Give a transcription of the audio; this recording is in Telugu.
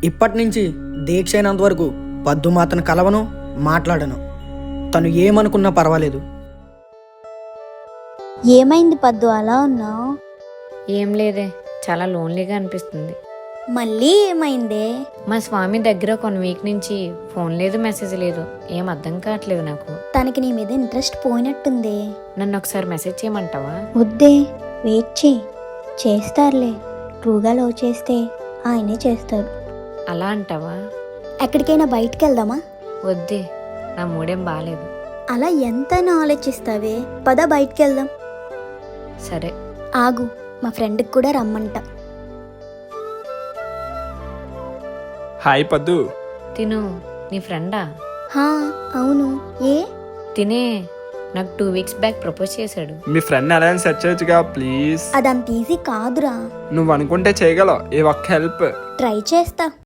ఇప్పటి నుంచి దీక్ష అయినంత వరకు పద్దు మాతను కలవను, మాట్లాడను. తను ఏమనుకున్నా పర్వాలేదు. ఏమైంది పద్దు అలా ఉన్నావు? ఏం లేదే, చాలా లోన్లీగా అనిపిస్తుంది. మళ్ళీ ఏమైందే? మా స్వామి దగ్గర కొన్ని వీక్ నుంచి ఫోన్ లేదు, మెసేజ్ లేదు. ఏం అర్థం కావట్లేదు నాకు. తనకి నీ మీద ఇంట్రెస్ట్ పోయినట్టుంది. నన్ను ఒకసారి మెసేజ్ చేయమంటావా? వద్దే, వెయిట్ చేస్తారులే. ట్రూగా లవ్ చేస్తే ఆయనే చేస్తారు. అలా అంటావా? ఎక్కడికైనా బయటికి వెళ్దామా? వద్దే, నా మూడేం బాగాలేదు. అలా ఎంతైనా ఆలోచిస్తావే, పద బయటికి వెళ్దాం. సరే ఆగు, మా ఫ్రెండ్కి కూడా రమ్మంట. హాయ్ పద్దు. తిను నీ ఫ్రెండా? హా అవును. ఏ తినే నాకు 2 వీక్స్ బ్యాక్ ప్రపోజ్ చేశాడు. మీ ఫ్రెండ్ ఎలా సెర్చ్ చేయొచ్చుగా ప్లీజ్. అదంత ఈజీ కాదురా. నువ్వు అనుకుంటే చేయగలవు. ఏ ఒక్క హెల్ప్. ట్రై చేస్తా.